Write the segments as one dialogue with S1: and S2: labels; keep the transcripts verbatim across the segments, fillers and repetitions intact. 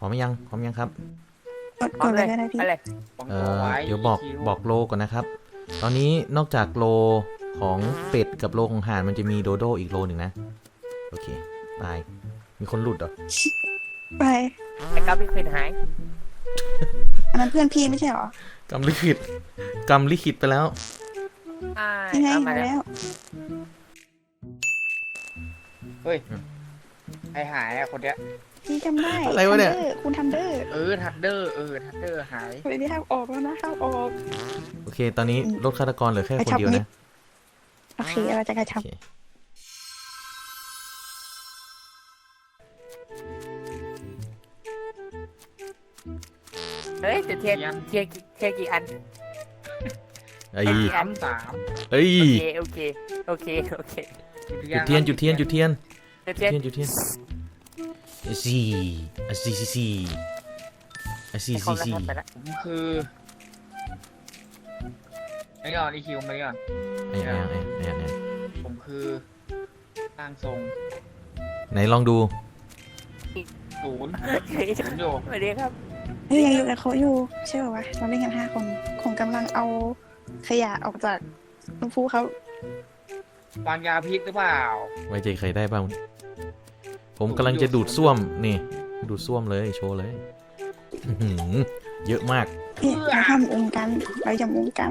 S1: อมยังพร้อมยังครับ
S2: กดกดเลยก็ได้พี่
S1: เออเดี๋ยวบอกบอกโลก่อนนะครับ ตอนนี้นอกจากโลของเป็ดกับโลของห่านมันจะมีโดโดอีกโลหนึ่งนะโอเคตายมีคนหลุดเหรอ
S2: ไป
S3: ไอ้กับลิขิตหาย
S2: อันนั้นเพื่อนพี่ไม่ใช่หร
S1: อกำลิขิตกำลิขิตไปแล้ว
S2: ยังไงมาแล้ว
S4: เฮ้ยไอหายอะคนเนี้ย
S2: พี่จำได้
S1: อะไรวะเนี่ย
S2: คุณทันเดอร์
S4: เออทันเดอร์เออทันเดอร์หาย
S2: เฮ้ยนี่ห้ามออกแล้วนะห้ามออก
S1: โอเคตอนนี้รถฆาตกรเหลือแค่คนเดียวนะ
S2: โอเคเราจะกระชับ
S3: เฮ้ยแต่เทียนเทียนเทียนกี่อัน
S1: ไอ้
S4: สามสาม
S1: เอ้ย
S3: โอเคโอเคโอเค
S1: จุดเทียนจุดเทียนจุดเทียน
S3: จุดเทียน
S1: จุดเทียนซีอซีซีซีอซีซีซี
S4: ผมคือไม่ก่อนอีคิวไม่ก่อน
S1: ไอ้ไอ้ไอ้ไอ้ไอ้
S4: ผมคือร่างทรง
S1: ไหนลองดู
S4: ศูนย์ศูนย์อยู่
S3: สวัสดีครับ
S2: เฮ้ยยังอยู่กับเขาอยู่ใช่ป่าวะเราเล่นกันห้าคนคงกำลังเอาขยะออกจากลูกฟูเขา
S4: วางยาพิษหรือเปล่า
S1: ไว้ใจใครได้บ้างผมกำลังจะดูดซ่วมนี่ดูดซ่วมเลยโชว์เลยเยอะมาก
S2: เราทำองค์กันเราจำองค์กัน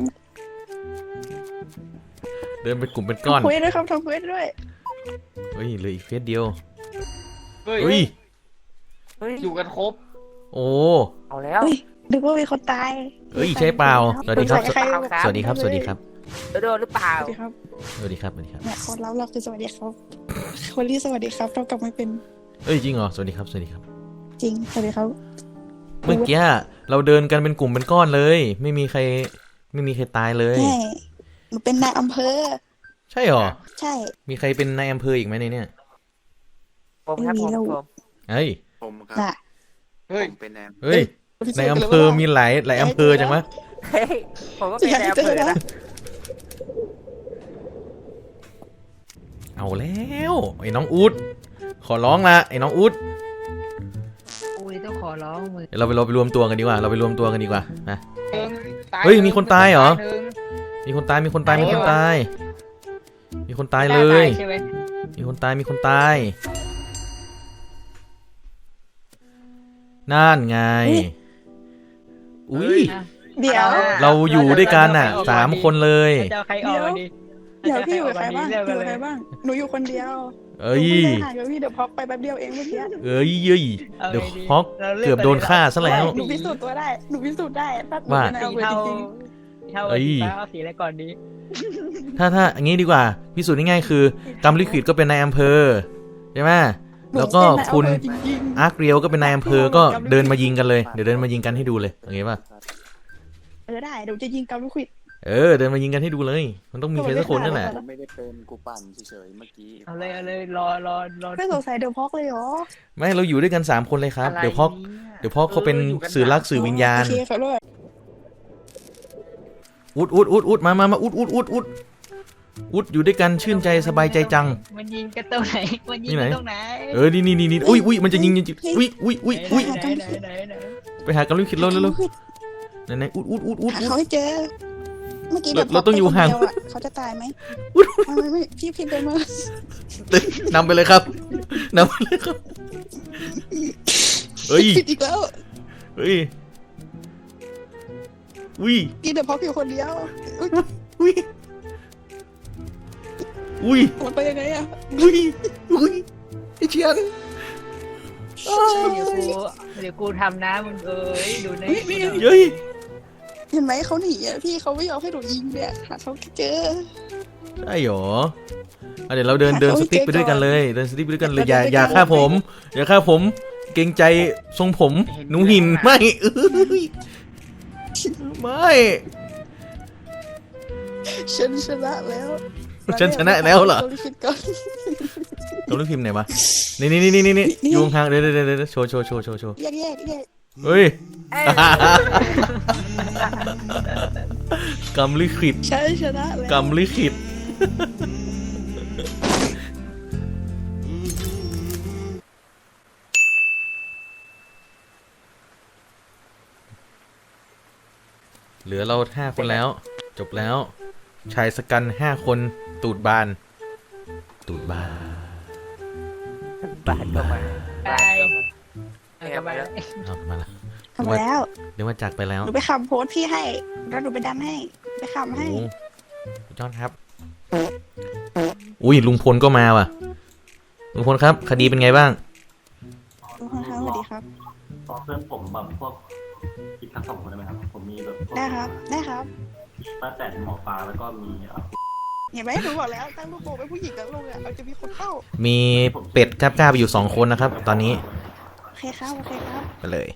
S1: เดินเป็นกลุ่มเป็นก้อน
S2: ทำเควสด้วยครับทำเควสด้วย
S1: เฮ้ยเหลืออีกเฟสเดียว
S4: เฮ้ยอยู่กันครบ
S1: โอ้
S3: เอาแล้ว
S2: นึกว่ามีคนตาย
S1: เอ้ยใช่เปล่าสวัสดีครับสวัสดีครับสวัสดีครับ
S3: โดนหรือเปล่า
S2: สวัสดีครับ
S1: สวัสดีครับสวัสดีครับ
S2: เนี่ยคนเราเราคือสวัสดีครับคนที่สวัสดีครับเรากลับไม่เป็น
S1: เอ้ยจริงเหรอสวัสดีครับสวัสดีครับ
S2: จริงสวัสดีครับ
S1: เมื่อกี้เราเดินกันเป็นกลุ่มเป็นก้อนเลยไม่มีใครไม่มีใครตายเลย
S2: ใช่หนูเป็นนายอำเภอ
S1: ใช่หรอ
S2: ใช่
S1: มีใครเป็นนายอำเภออีกไหมในเนี่ย
S3: ผมครับผม
S1: เฮ้ย
S5: ผมครับ
S4: เฮ้ย
S5: เป็นนาย
S1: เฮ้ยในอำเภอมีหลายหลายอำเภอจังวะ
S3: เฮ้ยผมก็เป็นนายอำเภอนะ
S1: เอาแล้วไอ้น้องอู๊ดขอร้องละไอ้น้องอู๊ด
S3: อุ้ยต้องขอร้องมือ
S1: เราไปเราไปรวมตัวกันดีกว่าเราไปรวมตัวกันดีกว่านะเฮ้ยมีคนตายเหรอมีคนตายมีคนตายมีคนตายมีคนตายเลยมีคนตายมีคนตายนั่นไงอุ้ย
S2: เดี๋ยว
S1: เราอยู่ด้วยกันอ่ะสามคนเลย
S3: จะใครออกดิ
S2: เดี๋ยวพี่อยู่กับใครบ้างอยู่กับใครบ้างหนูอยู่คนเดียว
S1: เอ้ย
S2: ห่างกับพี่เดี๋ยวพ็อกไปแป๊บเดียวเองเมื่อกี้
S1: เอ้ยเย้ยเดี๋ยวพ็อกเกือบโดนฆ่าซะแล้ว
S2: หนูพิสูจน์ตัวได้หนูพิสูจน์ได้
S1: ว่า
S3: สีเทาเทาสีอะไรก่อนดี
S1: ถ้าถ้าอย่างงี้ดีกว่าพิสูจน์ง่ายๆคือกำลิขิตก็เป็นนายอำเภอใช่ไหมแล้วก็คุณอาร์คเรียวก็เป็นนายอำเภอก็เดินมายิงกันเลยเดี๋ยวเดินมายิงกันให้ดูเลยโอเคป่ะ
S2: เออได้เดี๋ยวจะยิงกำลิขิต
S1: เออเดินมายิงกันให้ดูเลยมันต้องมีใครสักคนนั่นแหละ
S5: ไม่ได้เป็นกูปั่นเฉยๆเมื่อกี้
S3: เอาเลยเอาเลยรอรอรอ
S2: ไม่สงสัยเดี๋ยวพ็อกเลยเหรอ
S1: ไม่เราอยู่ด้วยกันสามคนเลยครับเดี๋ยวพ็อกเดี๋ยวพ็อกเขาเป็นสื่อรักสื่อวิญญาณอุดอุดอุดอุดมามามาอุดอุดอุดอุดอุดอยู่ด้วยกันชื่นใจสบายใจจัง
S3: มันยิงกันตรงไหนมันยิงกันตรงไหน
S1: เออนี่นี่นี่นี่อุ้ยอุ้ยมันจะยิงจริงอุ้ยอุ้ยอุ้ยอุ้ยไปหากำลิขิตเราเร็วๆไหนไหนอุดอุดอุดอุด
S2: เขาให้เจอเมื่อกี้
S1: เราต้องอยู่ห่าง
S2: เขาจะตายไหมไม่ไม่พี่พี่ไปม
S1: านำไปเลยครับนำไปเลยครับเฮ้ย
S2: อีกแล้ว
S1: เฮ้ยอุ้ย
S2: พี่เดี๋ยวพ็อกอยู่คนเดียว
S1: อุ้ยอุ้ย
S2: มันไปยังไงอะ
S1: อุ้ยอุ้ยไอเชียน
S3: เดี๋ยวกูเดี๋ยวกูทำนะมึงเอ้ยดูใน
S1: เฮ้ย
S2: เห็นไหมเขาหนีอ่ะพี่เขาไม่ยอมให้หนูยิงเนี่ยหาเขาเจอ
S1: ใช่หรอเดี๋ยวเราเดินเดินสติ๊กไปด้วยกันเลยเดินสติ๊กไปด้วยกันเลยอย่าอย่าฆ่าผมอย่าฆ่าผมเกรงใจทรงผมหนูหินไม่เอ้ยไม่
S2: ฉันชนะแล้ว
S1: ฉันชนะแล้วเหรอต้องรีบพิมพ์ไหนวะนี่นี่นี่นี่นี่อยู่ห่างเดี๋ยวเดี๋ยวเดี๋ยวโชว์โชว์โชว์โชว์โชว์
S2: แยกแยกแยก
S1: เฮ้ยกำลิขิต
S2: ฉันชนะแล้ว
S1: กำลิขิตเหลือเราห้าคนแล้ว จบแล้ว ชายสกันห้าคนตูดบาน ตูดบาน
S4: บาดก็มา
S3: ไป
S4: เอ้ยมาแล้ว
S1: เอามาละ
S2: ทำแล้ว
S1: เดี๋ยวมาจากไปแล้ว
S2: หนูไปคำโพสต์พี่ให้ แล้วหนูไปดันให้ ไปคำให้
S1: โอ้ยอดครับ อุ้ยลุงพลก็มาว่ะ ลุงพลครับ คดีเป็นไงบ้าง
S2: ทุกคนครับสวัสดีครับ
S6: ขอเพื่อนผมแบบพวกอีกทั้งสองคนได้ไหมครับ ผมมีแบบพวก
S2: ได้ครับ ได้ครับ
S6: ป้าแต่หมอปลาแล้วก็มีเอ่อ
S2: เห็นไหมหนูบอกแล้วตั้งลูกโป่งเป็นผู้หญิงกับลูกอ่ะเราจะมีคนเข้า
S1: มีเป็ดกล้าๆไปอยู่สองคนนะครับ ตอนนี้
S2: โอเคครับ โอเคครับ
S1: ไปเลย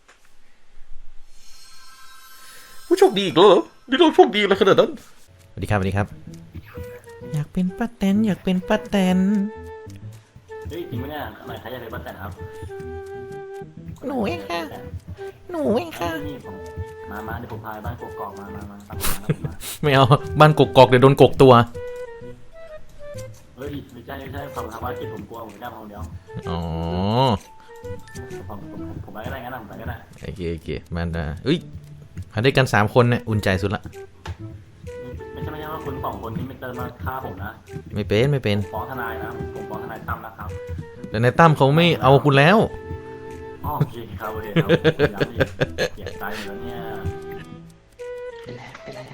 S1: ผู้โชคดีอีกแล้วเหรอนี่เราโชคดีอะไรขนาดนั้นสวัสดีครับสวัสดีครับ อยากเป็นป้าแตนอยากเป็นป้าแตน
S6: เฮ้ยจริงไหมเนี่ยอะไรใครอยากเป็นป้าแต่ครับ
S1: หนูเองค่ะ หนูเองค่ะ
S6: นี่ผมมามาเดี๋ยวผมพาไปบ้านกกอกมามามาตามมาตามมา
S1: ไม่เอาบ้านกกอกเดี๋ยวโดนกกตัว
S6: เฮ้ยไม่ใช่ไม่ใช่ความทำว่าจิตผมกลัวผมไม่กล้าพาคนเดียว
S1: อ๋อ
S6: ผมผมผมผมไปก็ได้งั้นนะผมไปก็ได้
S1: โอเคโอเคมันอ่ะเอ้ยมาด้วยกันสามคนเนี่ยอุ่นใจสุดละ
S6: ไม่ใช่ไม่ใช่ว่าคุณสองคนนี้ไม่เจอมาฆ่าผมนะ
S1: ไม่เป็นไม่เป็น
S6: ฟ้องทนายนะผมฟ้องทนายตั้มนะครับ
S1: แต่ในตั้มเขาไม่เอาคุณแล้ว
S6: อ๋อโอเคครับโอเคครับผมย้ำอีกเสียใจหมดแล้วเนี่ย
S4: เป็นไรเป็นไรอะ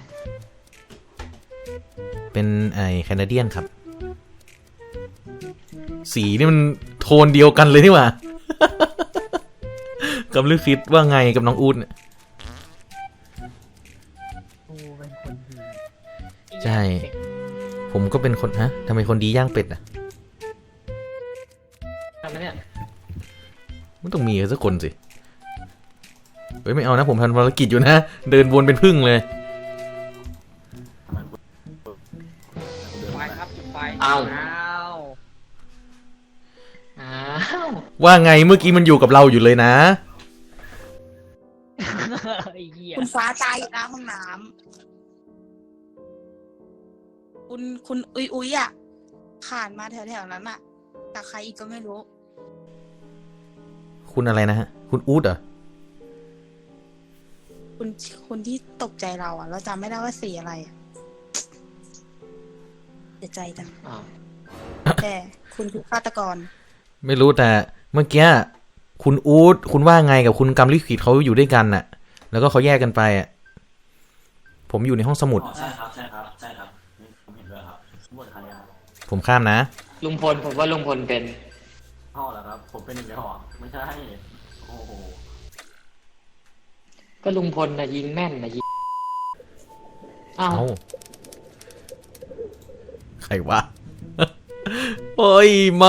S1: เป็นไอ้แคนาเดียนครับ สีนี่มันโทนเดียวกันเลยนี่หว่า กำลังคิดว่าไงกับน้องอูดเนี่ย
S3: กูเป็นคนดี
S1: ใช่ ผมก็เป็นคนฮะทำไมคนดีย่างเป็ดอ่ะ
S4: ทำไมเนี่ย
S1: มันต้องมีสักคนสิ เฮ้ยไม่เอานะผมทำภารกิจอยู่นะ เดินวนเป็นพึ่งเลย
S6: ทำไมคุณคุณเดิน
S4: ไฟ
S6: มา
S4: ครับจุดไฟ
S3: อ้าว
S4: อ้าว
S3: อ้าว
S1: ว่าไงเมื่อกี้มันอยู่กับเราอยู่เลยนะ
S3: ไอ้เหี้ย
S2: คุณฟ้าตายอยู่หน้าห้องน้ำคุณคุณอุ้ยอุ้ยอ่ะผ่านมาแถวๆนั้นอ่ะแต่ใครอีกก็ไม่รู้
S1: คุณอะไรนะฮะ คุณอูดเหรอ
S2: คุณคุณที่ตกใจเราอ่ะ เราจำไม่ได้ว่าสีอะไรอะเสียใจจัง
S4: อ้าว
S2: แต่คุณคือฆาตกร
S1: ไม่รู้แต่เมื่อกี้คุณอูดคุณว่าไงกับคุณกำลิขิตเขาอยู่ด้วยกันน่ะ แล้วก็เขาแยกกันไปอ่ะ ผมอยู่ในห้องสมุด
S6: อ๋อใช่ครับใช่ครับใช่ครับนี่ผมเห็นด้วยครับหมดใครอ่ะ
S1: ผมข้ามนะ
S4: ลุงพลผมว่าลุงพลเป็น
S6: พ่อเหรอครับ ผมเป็นหนึ่งในหอไม่ใช่โอ้โห
S4: ก็ลุงพลนะยิงแม่นนะยิงอ้าว
S1: เอ้า ใครวะ โอ้ยไม่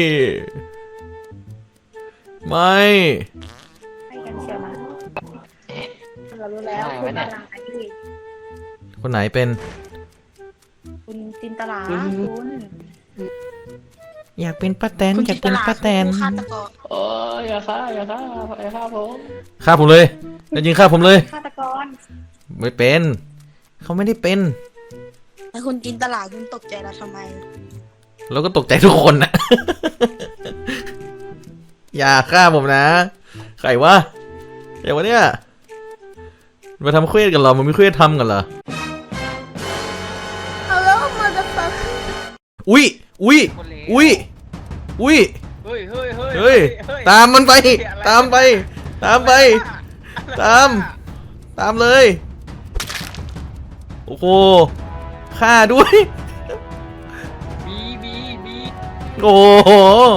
S1: ไม่
S2: ให้กันเชียวนะเรารู้แล้วคุณตลาดนี่
S1: คนไหนเป็น
S2: คุณจินตลา
S4: คุณ
S2: คุณ
S1: อยากเป็นป้าแตน
S2: คุณ
S1: อยากเป็นป้าแตน
S2: คือฆาตกร
S4: โอ้ยอย่าฆ่าอย่าฆ่าอย่าฆ่าผม
S1: ฆ่าผมเลยแล้วยิงฆ่าผมเลย
S2: ฆาตกร
S1: ไม่เป็น เขาไม่ได้เป็น
S2: แล้วคุณจินตลาคุณตกใจเราทำไม
S1: เราก็ตกใจทุกคนนะ อย่าฆ่าผมนะ ใครวะใครวะเนี่ย มาทำเควสกันเหรอ มันมีเควสทำกันเหรอ
S2: Hello motherfucker
S1: อุ้ย อุ้ย
S4: คนเลว
S1: อุ้ย อุ้ย
S4: เฮ้ยเฮ้ยเฮ้ย
S1: เฮ้ย ตามมันไป ตามไป ตามไป ตาม ตามเลย โอ้โหฆ่าด้วย
S4: บีบีบี
S1: โอ้โห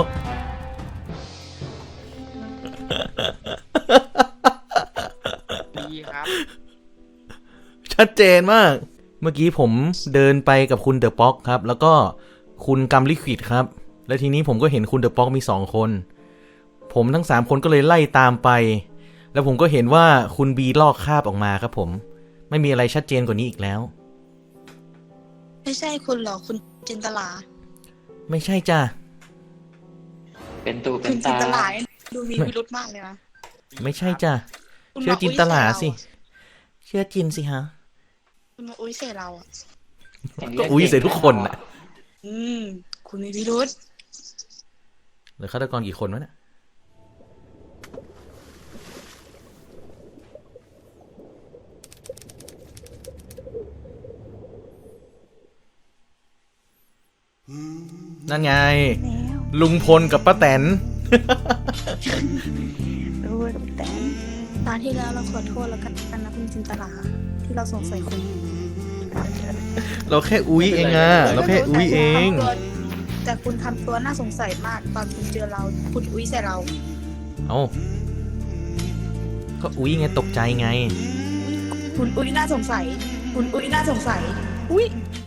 S4: บีครับ
S1: ชัดเจนมาก เมื่อกี้ผมเดินไปกับคุณเดอะป๊อกครับ แล้วก็คุณกัมลิควิดครับ และทีนี้ผมก็เห็นคุณเดอะป๊อกมีสองคน ผมทั้งสามคนก็เลยไล่ตามไป แล้วผมก็เห็นว่าคุณบีลอกคราบออกมาครับผม ไม่มีอะไรชัดเจนกว่านี้อีกแล้ว
S2: ไม่ใช่คุณหรอกคุณจินตลา
S1: ไม่ใช่จ้ะ
S4: เป็นตูเป็
S2: คุ
S4: น
S2: ณจิน
S4: ตา
S2: ตลาดูมีพิรุธมากเลยนะ
S1: ไม่ใช่จ้ะ
S2: คุณ
S1: เชื่อ
S2: มา
S1: จินตลาสิ เชื่อจินสิฮะ
S2: คุณมาอุ้ยเสียเราอ่ะ
S1: ก็อุ้ยเสร็จทุกคนน่ะ
S2: อืม คุณมีพิรุธ
S1: เหลือฆาตกรกี่คนวะเนี่ยนั่นไง
S2: แล้ว
S1: ลุงพลกับป้าแตน
S2: รู้กับแต่ตอนที่แล้วเราขอโทษแล้วกันนะคุณจินตลาที่เราสงสัยคุณ
S1: เราแค่อุ้ยเองอะเราแค่อุ้ยเอง
S2: แต่คุณทำตัวน่าสงสัยมากตอนคุณเจอเราคุณอุ้ยใส่เรา
S1: เอ้าก็อุ้ยไงตกใจไง
S2: คุณอุ้ยน่าสงสัย คุณอุ้ยน่าสงสัย อุ้ย